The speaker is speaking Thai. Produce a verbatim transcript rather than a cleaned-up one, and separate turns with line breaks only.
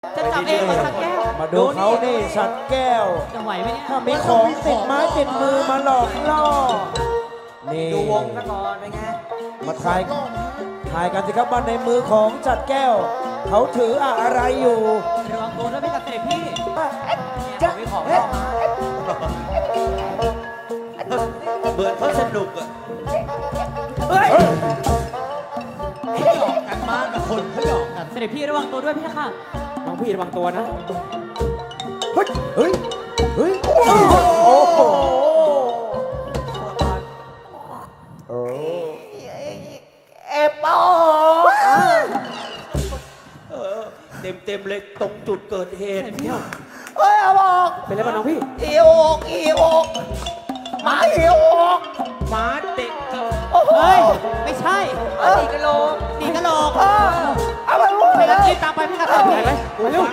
จะจับเองมาสักแก้ว
มาดูเขานี่สัตว์แก้ว
จะไหวไหมเนี่ย
ถ้ามีของติดไม้ติดมือมาหลอกล่อนี่
ดูวงซะก่อนเป็นไง
มาทายทายกันสิครับว่าในมือของจัดแก้ว เขาถืออะไรอยู่
ระวังตัวด้วยพี่กับเสด็จพี่
จะมีของเข้ามาเหมือนเขาสนุกอ่ะเฮ้ย
หยอกกันมากกับคนเขาหยอกกัน
เสด็จพี่ระวังตัวด้วยพี่ค่ะ
น้องพี่ระวังตัวนะ
เฮ้ย เฮ้ย เฮ้ย โอ้โหโอ้
เอปอเต็มเต็มๆเลยตรงจุดเกิดเหตุเฮ้ยเอาบอก
เป็นไรบ้างน้องพี่
อีโอกอีโอกหมาอีโอกหมาเด็กโอ้โห
เฮ้ยไม่ใช่
ตีกระโหลก
ตีกระโหลก
เออเอาไปรู้
ไป
เล
แล้ว
ย
รีบตามไปพี่กับเสด็จพี่
ไปไหมไปเร็ว